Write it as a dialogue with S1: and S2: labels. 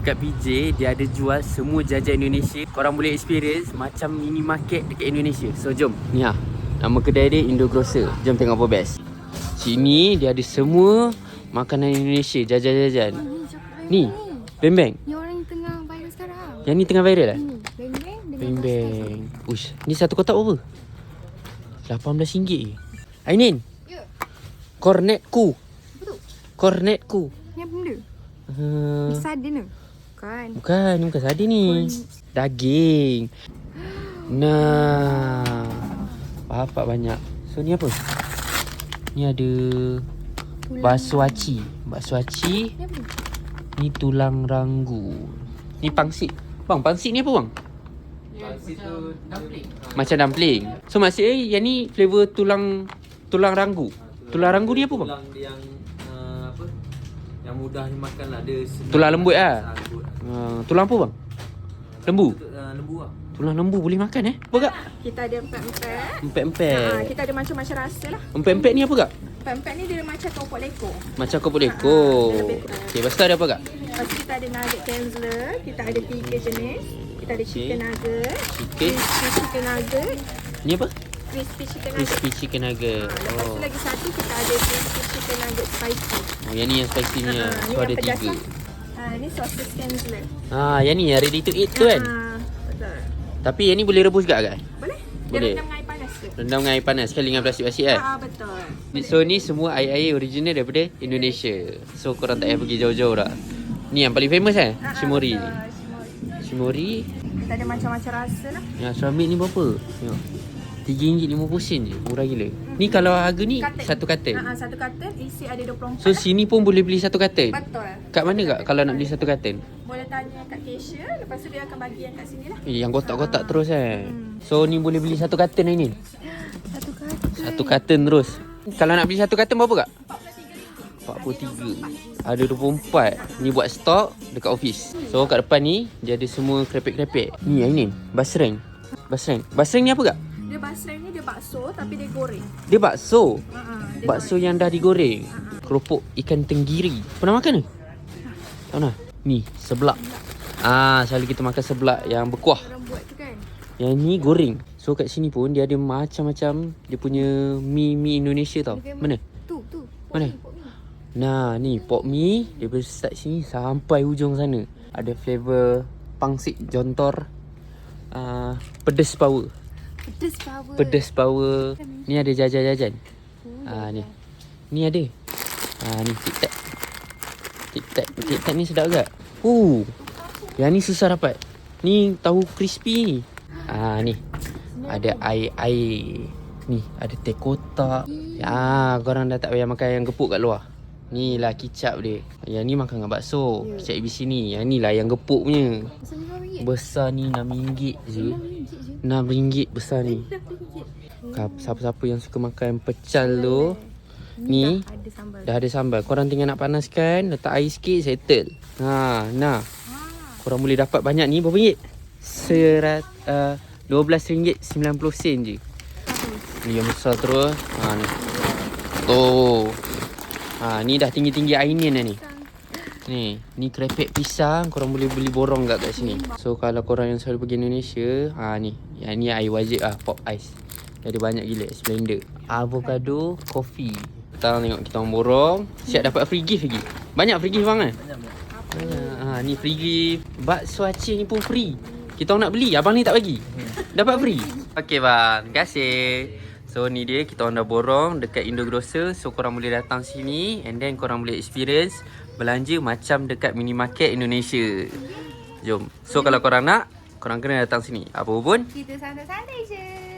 S1: Kat PJ, dia ada jual semua jajan Indonesia. Korang boleh experience macam mini market dekat Indonesia. So jom. Ni lah, nama kedai dia Indogrocer. Jom tengok apa best. Sini dia ada semua makanan Indonesia, jajan-jajan. Ni, beng-beng.
S2: Ni orang yang tengah viral sekarang.
S1: Yang ni tengah viral lah?
S2: Ni, beng-beng dengan
S1: Beng-beng. Ush, ni satu kotak berapa? RM18 je. Ainin,
S2: Ya,
S1: kornetku.
S2: apa tu?
S1: Kornetku.
S2: Ni apa benda?
S1: Uh,
S2: Sardin ke? Bukan.
S1: bukan, ni bukan sardin ni. Daging. Nah. Bapak banyak. So ni apa? Ni ada bakso aci. Bakso aci.
S2: Ni apa tu?
S1: Ni tulang ranggu. Ni pangsit. Bang, pangsit ni apa bang?
S3: Pangsit tu
S1: Macam dumpling. So maksudnya yang ni flavour tulang ranggu. Tulang ranggu ni apa bang?
S3: tulang yang apa? Yang mudah dimakan lah. Dia senang.
S1: Tulang lembut lah.
S3: Lembut.
S1: Tulang apa bang? Lembu.
S3: Lembu lah.
S1: Tulang lembu boleh makan Apa kak?
S2: Kita ada empat-empat.
S1: Empek-empek.
S2: Kita ada macam-macam rasa lah.
S1: Empek-empek ni apa kak?
S2: Empat-empat ni dia macam keropok lekor.
S1: Macam kau boleh lekor.
S2: dia lebih
S1: Okey, lepas tu ada apa kak?
S2: Lepas tu kita ada nugget Kenzler. Kita ada 3 jenis. Kita ada chicken nugget.
S1: Chicken.
S2: Crispy chicken nugget.
S1: Ni apa?
S2: Crispy chicken nugget.
S1: Crispy chicken nugget.
S2: Lepas tu lagi satu kita ada crispy chicken nugget spicy.
S1: Oh, yang ni yang spicy ni.
S2: Ni
S1: So
S2: yang
S1: ada
S2: pedas
S1: 3.
S2: lah. Ni sausage Kenzler.
S1: Yang ni yang ready to eat tu kan?
S2: Betul.
S1: Tapi yang ni boleh rebus gak kan?
S2: Boleh?
S1: Boleh.
S2: Dia rendam dengan air panas ke?
S1: Rendam dengan air panas sekali dengan plastik basi kan?
S2: Betul.
S1: So ni semua air-air original daripada Indonesia. So korang tak payah pergi jauh-jauh dah. Ni yang paling famous kan? Shimori.
S2: Betul, Shimori.
S1: Shimori.
S2: Kita ada macam-macam rasa lah.
S1: Yang ceramik ni berapa? Tengok. RM3.50 je. Murah gila. Ni kalau harga ni
S2: Carton.
S1: satu carton.
S2: Satu carton isi ada 24
S1: So
S2: lah.
S1: sini pun boleh beli satu carton.
S2: Betul.
S1: Kat mana kak kalau nak beli satu carton?
S2: Boleh tanya kat cashier. Lepas tu dia akan bagi yang kat sini lah.
S1: Yang kotak-kotak terus kan. So ni boleh beli satu carton hari ni.
S2: Satu carton.
S1: Satu carton terus. Kalau nak beli satu carton berapa kak? 43. Ada 24. Ni buat stok dekat office. So kat depan ni dia ada semua krepek-krepek. Ni hari ni basreng. Basreng ni apa kak?
S2: Dia basreng ni dia bakso tapi dia goreng.
S1: Dia bakso.
S2: Dia
S1: Bakso yang dah digoreng. Keropok ikan tenggiri. Pernah makan ke? Tak pernah. Ni seblak. Selalu kita makan seblak yang berkuah.
S2: orang buat tu kan.
S1: Yang ni goreng. So kat sini pun dia ada macam-macam dia punya mi Indonesia tau.
S2: Dia
S1: Mana?
S2: Tu.
S1: Mana? Nah, ni pok mi daripada start sini sampai hujung sana. Ada flavour pangsit jontor. Pedas power.
S2: Pedas power.
S1: Pedas power. Ni ada jajan-jajan. Ni. Ni ada. Ni tic-tac. Tic-tac ni sedap agak. Yang ni susah dapat. Ni tahu crispy ni. Ni. Ada air. Ni ada teh kotak. Korang dah tak payah makan yang gepuk kat luar. Ni lah kicap dia. Yang ni makan dengan bakso. Kicap ABC ni. Yang ni lah yang gepuk punya. Besar ni RM6 je. RM6 besar ni. Siapa-siapa yang suka makan pecal tu, ni
S2: Ada sambal.
S1: dah ada sambal. Korang tinggal nak panaskan, letak air sikit, settle. Korang boleh dapat banyak ni. Berapa ringgit? RM12.90 je. Ni yang besar terus. Ni. Ni dah tinggi-tinggi ainin dah ni. Ni krepek pisang. Korang boleh beli borong kat sini. So kalau korang yang selalu pergi Indonesia, ni. Yang ni air wajib pop ice. Dia ada banyak gila. Splendor. Avocado coffee. Kita tengok kita orang borong. Siap dapat free gift lagi. Banyak free gift bang kan? Banyak. Ni free gift. Bakso Aceh ni pun free. Kita orang nak beli. Abang ni tak bagi. Dapat free. Okay bang. Terima kasih. So ni dia, kita orang dah borong dekat Indogrocer. So korang boleh datang sini and then korang boleh experience belanja macam dekat mini market Indonesia. Jom. So kalau korang nak, korang kena datang sini. Apa pun
S2: Kita santai-santai je.